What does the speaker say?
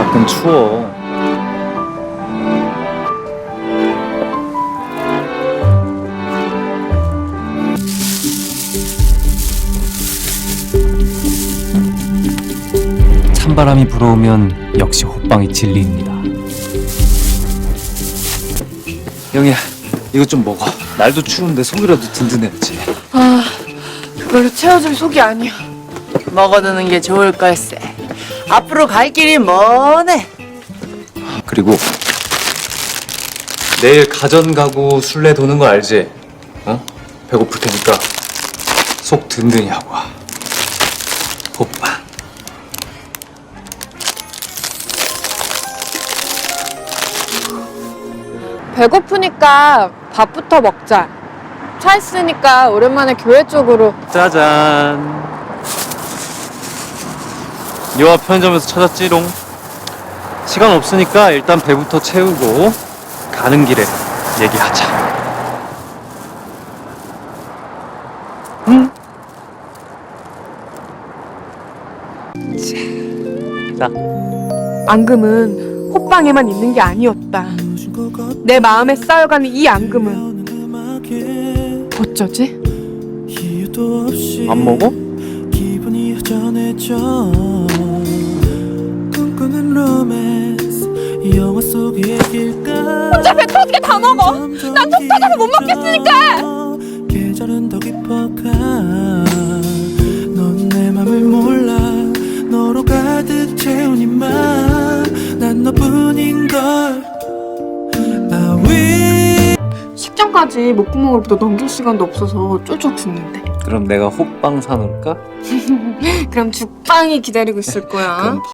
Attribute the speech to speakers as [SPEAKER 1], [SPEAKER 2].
[SPEAKER 1] 밖은 추워. 찬바람이 불어오면 역시 호빵이 진리입니다. 영희야, 이거 좀 먹어. 날도 추운데 속이라도 든든해야지.
[SPEAKER 2] 아, 그걸로 채워줄 속이 아니야.
[SPEAKER 3] 먹어두는 게 좋을 걸세. 앞으로 갈 길이 머네.
[SPEAKER 1] 그리고 내일 가전 가구 술래 도는 거 알지? 어? 배고플 테니까 속 든든히 하고 와. 호빵.
[SPEAKER 2] 배고프니까 밥부터 먹자. 차 있으니까 오랜만에 교회 쪽으로.
[SPEAKER 1] 짜잔. 요 앞 편의점에서 찾았지롱. 시간 없으니까 일단 배부터 채우고 가는 길에 얘기하자. 응? 자.
[SPEAKER 2] 앙금은 호빵에만 있는 게 아니었다. 내 마음에 쌓여가는 이 앙금은 어쩌지?
[SPEAKER 1] 안 먹어?
[SPEAKER 4] 기분이 허전해져. 꿈꾸는 로맨스 영화 속의 얘길까.
[SPEAKER 2] 혼자 배 터지게 다 먹어. 난 속 터져서 못 먹겠으니까.
[SPEAKER 4] 계절은 더 깊어가. 넌 내 맘을 몰라. 너로 가득 채운 이맘난 너뿐인걸.
[SPEAKER 2] 식장까지 목구멍으로부터 넘길 시간도 없어서 쫄쫄 굶는데.
[SPEAKER 1] 그럼 내가 호빵 사놓을까?
[SPEAKER 2] 그럼 죽빵이 기다리고 있을 거야.
[SPEAKER 1] 그럼